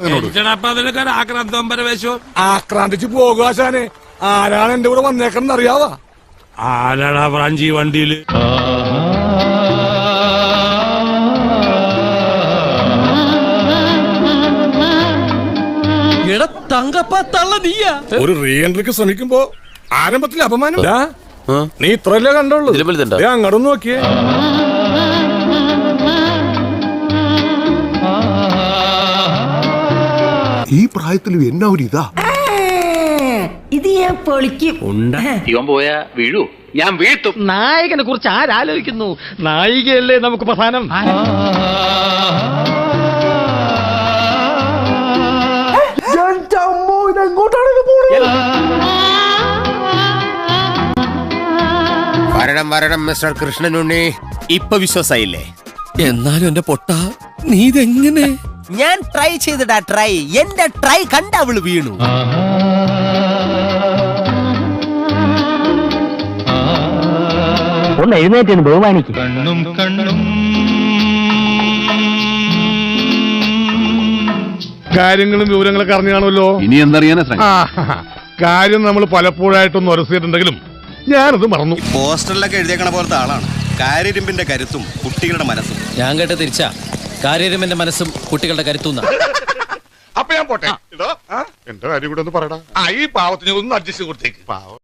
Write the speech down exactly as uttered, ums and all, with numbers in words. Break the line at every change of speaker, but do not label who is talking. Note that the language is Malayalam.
ആക്രാന്തിച്ച് പോകാശാനെ. ആരാണ് എന്റെ കൂടെ വന്നേക്കെന്ന് അറിയാവാ?
ആരാടാ ഫ്രാഞ്ചി വണ്ടിയില്?
ഒരു റീ എൻട്രിക്ക് ശ്രമിക്കുമ്പോ ആരംഭത്തിൽ അപമാനം. നീ ഇത്രല്ലേ കണ്ടുള്ളൂ. അങ്ങോട്ടൊന്ന് നോക്കിയേ.
ഈ പ്രായത്തിലും എന്നാ ഒരു ഇതാ.
ഇത് ഞാൻ പൊളിക്കും.
ഇവൻ പോയാ വീഴൂ, ഞാൻ വീഴ്ത്തും.
നായകനെ കുറിച്ച് ആരാലോചിക്കുന്നു? നായികയല്ലേ നമുക്ക് പ്രധാനം.
വരണം വരണം മിസ്റ്റർ കൃഷ്ണനുണ്ണി. ഇപ്പൊ വിശ്വാസായില്ലേ?
എന്നാലും എന്റെ പൊട്ട, നീ ഇതെങ്ങനെ?
ഞാൻ ട്രൈ ചെയ്തിടാ ട്രൈ. എന്റെ ട്രൈ കണ്ട അവള് വീണു.
ഒന്ന് എഴുന്നേറ്റ് ബഹുമാനിക്കും.
കാര്യങ്ങളും വിവരങ്ങളൊക്കെ അറിഞ്ഞാണല്ലോ.
ഇനി എന്തറിയാനാ?
കാര്യം നമ്മൾ പലപ്പോഴായിട്ടൊന്ന് ഉരസിയിട്ടുണ്ടെങ്കിലും ഞാനത് മറന്നു.
പോസ്റ്ററിലൊക്കെ എഴുതിയേക്കണ പോലത്തെ ആളാണ്. കാര്യരുമ്പിന്റെ കരുത്തും കുട്ടികളുടെ മനസ്സും.
ഞാൻ കേട്ട തിരിച്ചാ. കാര്യരുമെന്റെ മനസ്സും കുട്ടികളുടെ കരുത്തുന്ന.
അപ്പൊ ഞാൻ പോട്ടെ. എന്റെ കാര്യം കൂടെ ഒന്ന് പറയടാ. ഈ പാവത്തിന് ഒന്ന് അഡ്ജസ്റ്റ് കൊടുത്തേക്ക്. പാവം.